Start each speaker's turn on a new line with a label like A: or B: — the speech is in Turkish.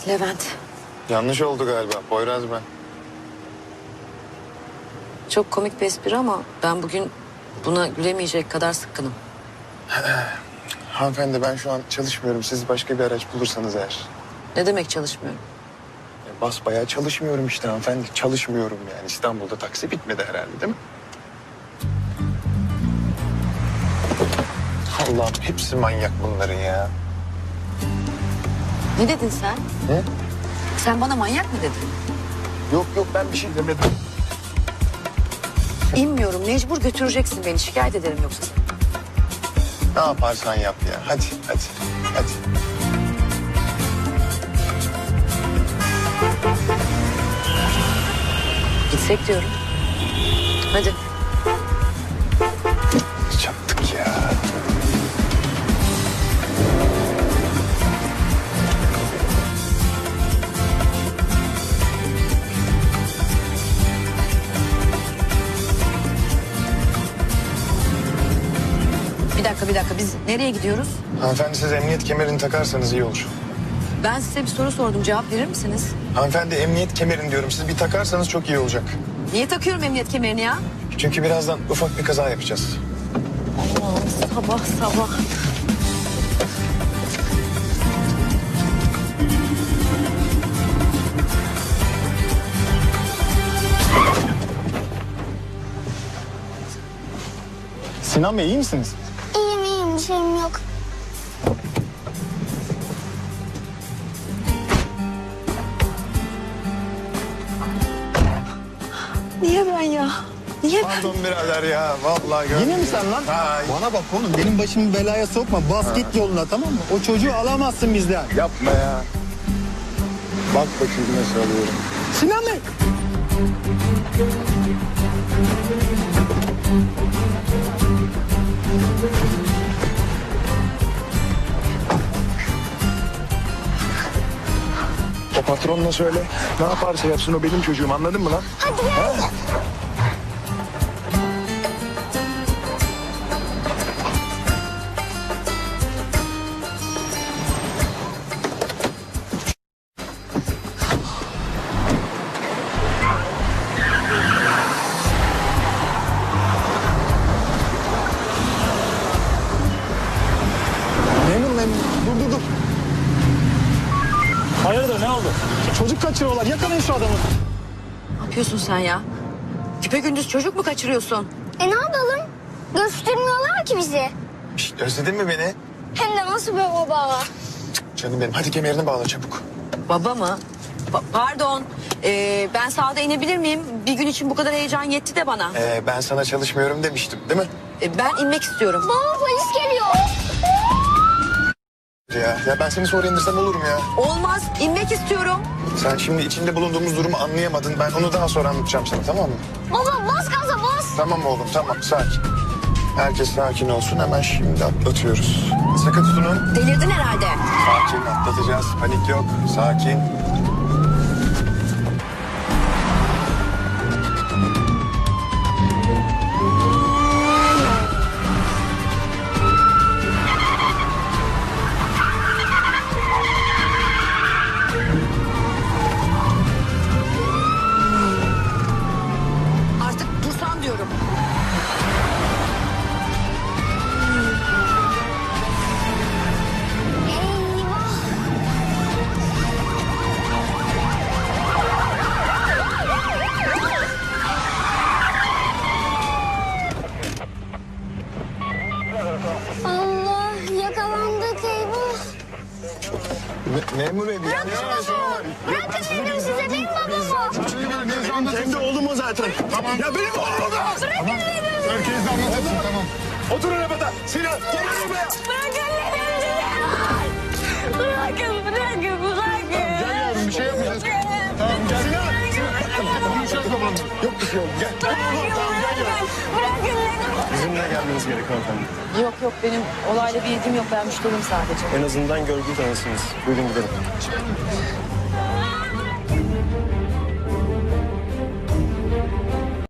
A: Levent.
B: Yanlış oldu galiba. Poyraz ben.
A: Çok komik bir espri ama ben bugün buna gülemeyecek kadar sıkkınım.
B: Hanımefendi ben şu an çalışmıyorum. Siz başka bir araç bulursanız eğer.
A: Ne demek çalışmıyorum?
B: Basbayağı çalışmıyorum işte hanımefendi. Çalışmıyorum yani. İstanbul'da taksi bitmedi herhalde değil mi? Allah'ım hepsi manyak bunların ya.
A: Ne dedin sen?
B: Ne?
A: Sen bana manyak mı dedin?
B: Yok ben bir şey demedim.
A: İnmiyorum. Mecbur götüreceksin beni. Şikayet ederim yoksa seni.
B: Ne yaparsan yap ya. Hadi.
A: Gitsek diyorum. Hadi.
B: Çattık ya.
A: Bir dakika. Biz nereye gidiyoruz?
B: Hanımefendi siz emniyet kemerini takarsanız iyi olur.
A: Ben size bir soru sordum. Cevap verir misiniz?
B: Hanımefendi emniyet kemerini diyorum. Siz bir takarsanız çok iyi olacak.
A: Niye takıyorum emniyet kemerini ya?
B: Çünkü birazdan ufak bir kaza yapacağız.
A: Allah'ım sabah.
B: Sinan Bey iyi misiniz?
C: İyiyim, bir şeyim yok.
A: Niye ben ya? Niye ben?
B: Pardon birader ya. Vallahi
D: Yine mi sen lan?
B: Ha,
D: Bana bak oğlum benim başımı belaya sokma. Bas git yoluna tamam mı? O çocuğu alamazsın bizden.
B: yapma ya. Bak bakayım nasıl alıyorum.
D: Sinan Bey.
B: O patronla söyle. Ne yaparsa yapsın o benim çocuğum anladın mı lan?
C: Hadi gel.
D: Memur. Dur. Hayırdır ne oldu? Çocuk kaçırıyorlar. Yakalayın şu adamı.
A: Ne yapıyorsun sen ya? Gündüz çocuk mu kaçırıyorsun?
C: Ne yapalım? Göstermiyorlar ki bizi.
B: Şişt, özledin mi beni?
C: Hem de nasıl bir baba?
B: Canım benim hadi kemerini bağla çabuk.
A: Baba mı? Pardon. Ben sağda inebilir miyim? Bir gün için bu kadar heyecan yetti de bana.
B: Ben sana çalışmıyorum demiştim değil mi?
A: Ben inmek istiyorum.
C: Baba polis geliyor.
B: Ya ben seni sonra indirsem olur mu ya?
A: Olmaz. İnmek istiyorum.
B: Sen şimdi içinde bulunduğumuz durumu anlayamadın. Ben onu daha sonra anlatacağım sana tamam mı?
C: Baba bas gaza bas.
B: Tamam oğlum tamam sakin. Herkes sakin olsun hemen şimdi atlatıyoruz. Sakın tutunun.
A: Delirdin herhalde.
B: Sakin atlatacağız. Panik yok. Sakin.
A: Artık dursan diyorum.
C: Eyvah. Allah yakalandık eyvah.
B: Memur bey bir yanlış anlaşılma var.
C: Bırakın dedim size benim babam o.
D: Kendi oğlum o zaten. Tamam. Ya benim oğlum o da.
C: Bırakın dedim.
D: Herkes de anlatırsın tamam. Otur arabada. Sinan gel arabaya.
C: Bırakın dedim size. Bırakın.
D: Gel yavrum bir şey yapmayacağız. Tamam gel. Sinan. Konuşacağız babanla. Yok bir şey oğlum gel. Tamam gel yavrum.
C: Bırakın dedim.
D: Bizimle gelmeniz gerek hanımefendi.
A: Yok benim olayla bir ilgim yok. Ben müşteriyim sadece.
D: En azından görgü tanısınız. Buyurun gidelim.